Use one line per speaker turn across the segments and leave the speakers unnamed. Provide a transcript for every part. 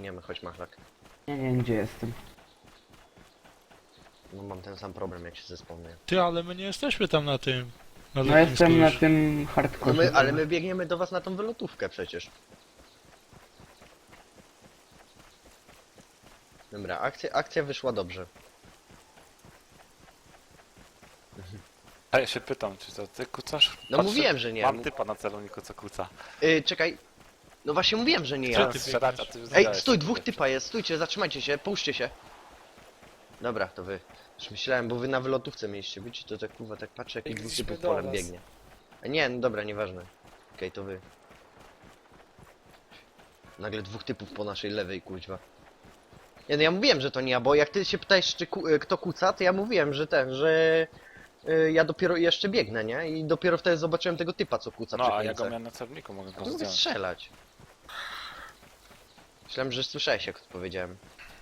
biegniemy, chodź Machlak.
Nie wiem gdzie jestem.
No mam ten sam problem jak się zespomnę.
Ty, ale my nie jesteśmy tam na tym. Na
No
lotnisku
jestem na
już.
tym
No
hardcore.
ale my biegniemy do was na tą wylotówkę przecież. Dobra, akcja wyszła dobrze.
A ja się pytam, czy to ty kucasz?
No mówiłem, że nie.
Mam typa na celowniku, co kuca.
Czekaj. No właśnie mówiłem, że nie
Co
ja.
ty
Strzelać, a
biegniesz?
ty już
Ej,
zjadałeś.
stój, dwóch typa jest, stójcie, zatrzymajcie się, puśćcie się. Dobra, to wy. Już myślałem, bo wy na wylotówce mieliście być, to tak kurwa, tak patrzę, jak dwóch
Biegliśmy
typów
do
polem
was.
biegnie. A nie, no dobra, nieważne. Okej, to wy. Nagle dwóch typów po naszej lewej, kuźwa. Nie, no ja mówiłem, że to nie ja, bo jak ty się pytałeś, czy kto kuca, to ja mówiłem, że ja dopiero jeszcze biegnę, nie? I dopiero wtedy zobaczyłem tego typa, co kuca przy
No, a ja go
końcu.
miałem na celowniku, mogę go
Mogę
zdjąć.
strzelać. Myślałem, że słyszałeś, jak to powiedziałem.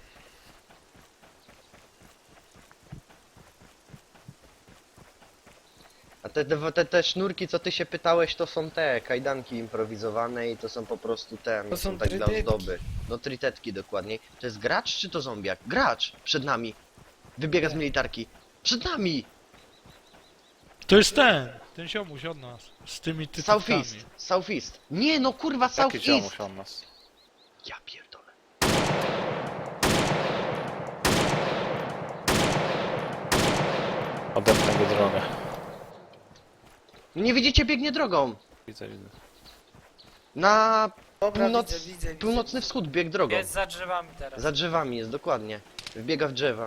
A te sznurki, co ty się pytałeś, to są te kajdanki improwizowane i to są po prostu te,
To są
tak dla
trytetki.
ozdoby. No trytetki dokładniej. To jest gracz czy to zombiak? Gracz! Przed nami! Wybiega z militarki. Przed nami!
To jest ten ziomuś od nas. Z tymi typami.
Southeast! Southeast! Nie no kurwa,
Jaki
Southeast!
ziomuś on nas?
Ja pierdolę.
Odepnę go drogę.
Nie widzicie, biegnie drogą!
Widzę, widzę.
Na
Dobra,
północ...
widzę.
północny wschód bieg drogą.
Jest za drzewami teraz.
Za drzewami jest, dokładnie. Wbiega w drzewa.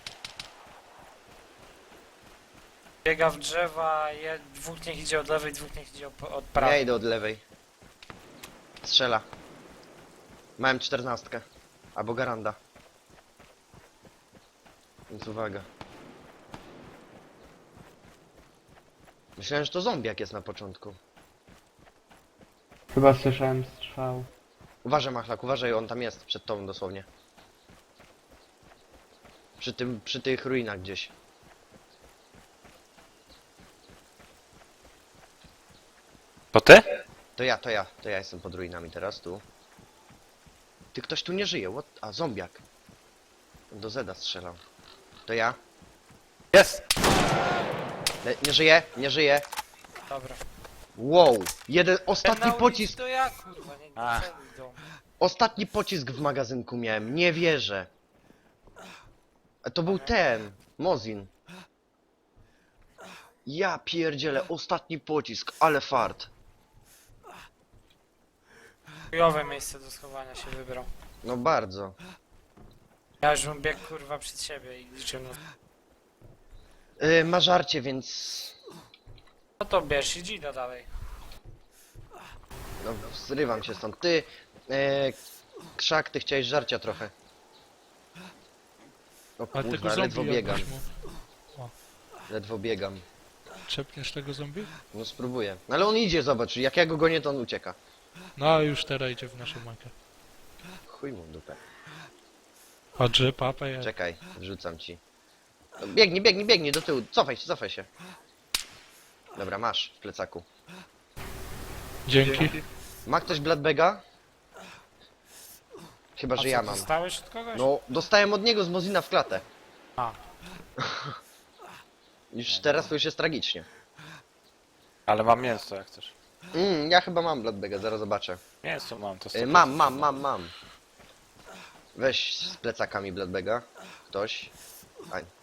Biega w drzewa, dwóch niech idzie od lewej, dwóch niech idzie od
Ja
prawej.
idę od lewej. Strzela. Miałem 14. Albo garanda. Więc uwaga. Myślałem, że to zombiak jest na początku.
Chyba słyszałem strzał.
Uważaj Machlak, uważaj, on tam jest, przed tobą dosłownie. Przy tych ruinach gdzieś.
To ty?
To ja jestem pod ruinami teraz, tu. Ty, ktoś tu nie żyje, what? A, zombiak. Do Zeda strzelał. To ja.
Jest!
Nie żyje, nie żyje.
Dobra.
Wow,
Ten
ostatni
na ulicy
pocisk,
to ja, kurwa, nie
Ach.
idą.
ostatni pocisk w magazynku miałem, nie wierzę. A to był ten, Mozin. Ja pierdzielę, ostatni pocisk, ale fart.
Chujowe miejsce do schowania się wybrał.
No bardzo.
Ja już bym biegł, kurwa, przed siebie i liczył na...
Ma żarcie, więc...
No to bierz i idę dalej.
No, zrywam się stąd. Ty, Krzak, ty chciałeś żarcia trochę. O
Ale tego
kurwa, ledwo
zombie
biegam,
jakbyś mu...
ledwo biegam.
Trzepniesz tego zombie?
No spróbuję. No, ale on idzie, zobacz, jak ja go gonię, to on ucieka.
No a już teraz idzie w naszą makę.
Chuj mu w dupę.
Chodźże, papę jak...
Czekaj, wrzucam ci. No, biegnij do tyłu, cofaj się. Dobra, masz w plecaku.
Dzięki.
Ma ktoś Bloodbaga? Chyba,
A
że
co,
ja mam.
dostałeś od kogoś?
No, dostałem od niego z Mozina w klatę.
A.
Już teraz to już jest tragicznie.
Ale mam mięso, jak chcesz.
Ja chyba mam Bloodbaga, zaraz zobaczę.
Mięso mam, to
Mam. Weź z plecakami Bloodbaga. Ktoś. A,